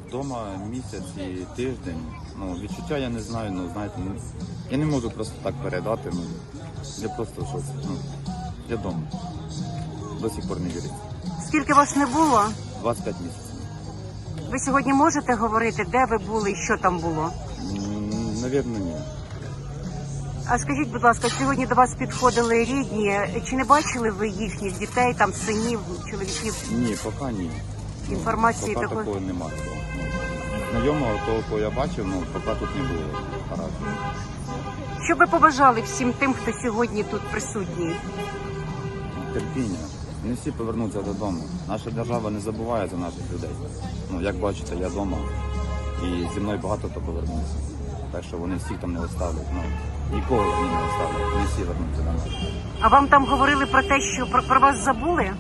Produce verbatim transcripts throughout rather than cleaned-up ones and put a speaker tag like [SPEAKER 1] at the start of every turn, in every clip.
[SPEAKER 1] вдома місяць і тиждень. Ну, відчуття я не знаю, ну знаєте, ну, я не можу просто так передати. Ну, я просто щось, ну, я вдома. До сих пор не віриться.
[SPEAKER 2] Скільки вас не було?
[SPEAKER 1] двадцять п'ять місяців.
[SPEAKER 2] Ви сьогодні можете говорити, де ви були і що там було?
[SPEAKER 1] М, Навірно, ні.
[SPEAKER 2] А скажіть, будь ласка, сьогодні до вас підходили рідні. Чи не бачили ви їхніх дітей, там синів, чоловіків?
[SPEAKER 1] Ні, поки ні. Ну,
[SPEAKER 2] Інформації
[SPEAKER 1] поки
[SPEAKER 2] такої?
[SPEAKER 1] такого немає. Ну, знайомого того, кого я бачив, ну, поки тут не було. Гаразд.
[SPEAKER 2] Що ви побажали всім тим, хто сьогодні тут присутній?
[SPEAKER 1] Терпіння. Не всі повернуться додому. Наша держава не забуває за наших людей. Ну, як бачите, я вдома і зі мною багато хто повернувся. Так що вони всіх там не оставлять. Ну, нікого вони не оставлять. Не всі вернуться до нас.
[SPEAKER 2] А вам там говорили про те, що про, про вас забули?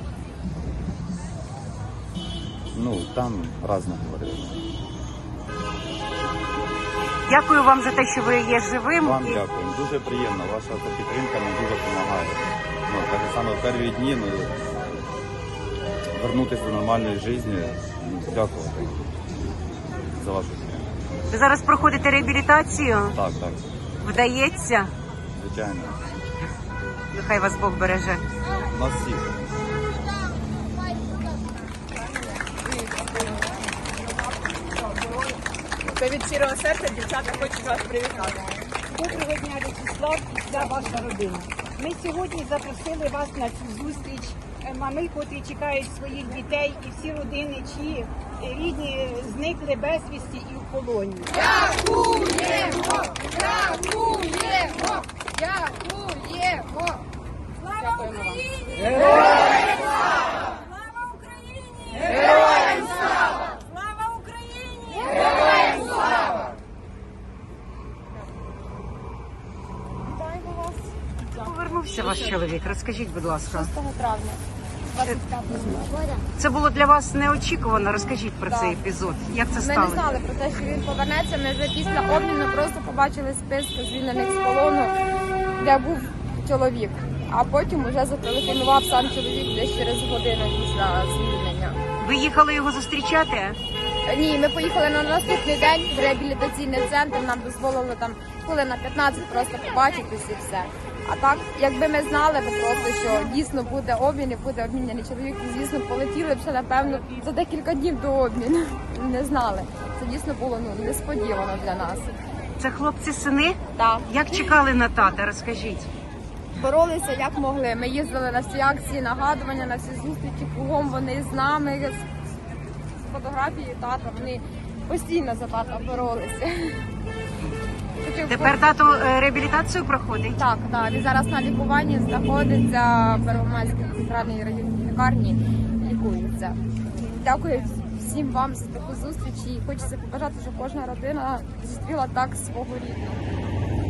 [SPEAKER 1] Ну, там разне говорили.
[SPEAKER 2] Дякую вам за те, що ви є живим.
[SPEAKER 1] Вам
[SPEAKER 2] І-
[SPEAKER 1] дякую. Дуже приємно. Ваша ця підтримка нам дуже допомагає. Ну, так само в перші дні, ну, вернутися до нормальної життя. Ну, дякувати за вашу підтримку.
[SPEAKER 2] Ви зараз проходите реабілітацію?
[SPEAKER 1] Так, так.
[SPEAKER 2] Вдається?
[SPEAKER 1] Звичайно.
[SPEAKER 2] Нехай вас Бог береже.
[SPEAKER 1] Нас всіх.
[SPEAKER 3] Це від щирого серця дівчата хочуть вас привітати. Доброго дня, В'ячеслав, і вся ваша родина. Ми сьогодні запросили вас на цю зустріч. Е, Мами, котрі чекають своїх дітей, і всі родини, чиї е, рідні зникли безвісті і в полоні.
[SPEAKER 4] Дякуємо! Дякуємо! Дякуємо! Слава Україні! Героям слава! Слава Україні! Героям слава! Слава Україні! Героям слава! Вітаємо вас!
[SPEAKER 2] Повернувся ваш чоловік. Розкажіть, будь ласка.
[SPEAKER 4] шостого травня двадцять п'ятого року.
[SPEAKER 2] Це було для вас неочікувано. Розкажіть про цей епізод. Як це
[SPEAKER 4] Ми не
[SPEAKER 2] сталося?
[SPEAKER 4] знали про те, що він повернеться. Ми вже після обміну просто побачили списки звільнених з полону, де був чоловік. А потім вже зателефонував сам чоловік десь через годину після звільнення.
[SPEAKER 2] Ви їхали його зустрічати?
[SPEAKER 4] Ні, ми поїхали на наступний день в реабілітаційний центр. Нам дозволили там хвилин на п'ятнадцять просто побачитись і все. А так, якби ми знали би просто, що дійсно буде обмін і буде обміняний чоловік, то, звісно, полетіли б ще, напевно, за декілька днів до обміну. Не знали. Це дійсно було ну, несподівано для нас.
[SPEAKER 2] Це хлопці-сини?
[SPEAKER 4] Так.
[SPEAKER 2] Як чекали на тата? Розкажіть.
[SPEAKER 4] Боролися як могли. Ми їздили на всі акції, нагадування, на всі зустрічі, кругом вони з нами, з фотографією тата. Вони постійно за тата боролися.
[SPEAKER 2] Тепер тато е, реабілітацію проходить?
[SPEAKER 4] Так, так. Він зараз на лікуванні знаходиться в Первомайській центральній районній лікарні, лікується. Дякую всім вам за таку зустріч і хочеться побажати, щоб кожна родина зустріла так свого рідного.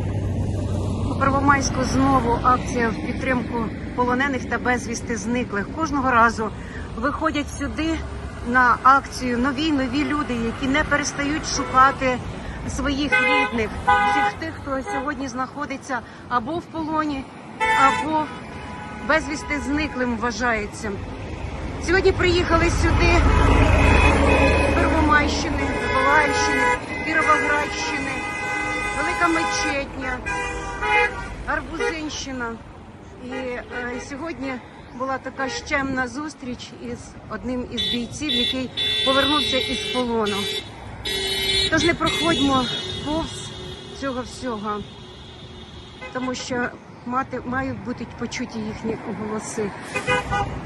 [SPEAKER 2] У Первомайську знову акція в підтримку полонених та безвісти зниклих. Кожного разу виходять сюди на акцію нові нові люди, які не перестають шукати своїх рідних, всіх тих, хто сьогодні знаходиться або в полоні, або безвісти зниклим вважається. Сьогодні приїхали сюди з Первомайщини, Миколаївщини, Кіровоградщини, Велика Мечетня, Арбузинщина. І е, сьогодні була така щемна зустріч із одним із бійців, який повернувся із полону. Тож не проходьмо повз цього всього, тому що мати, мають бути почуті їхні голоси.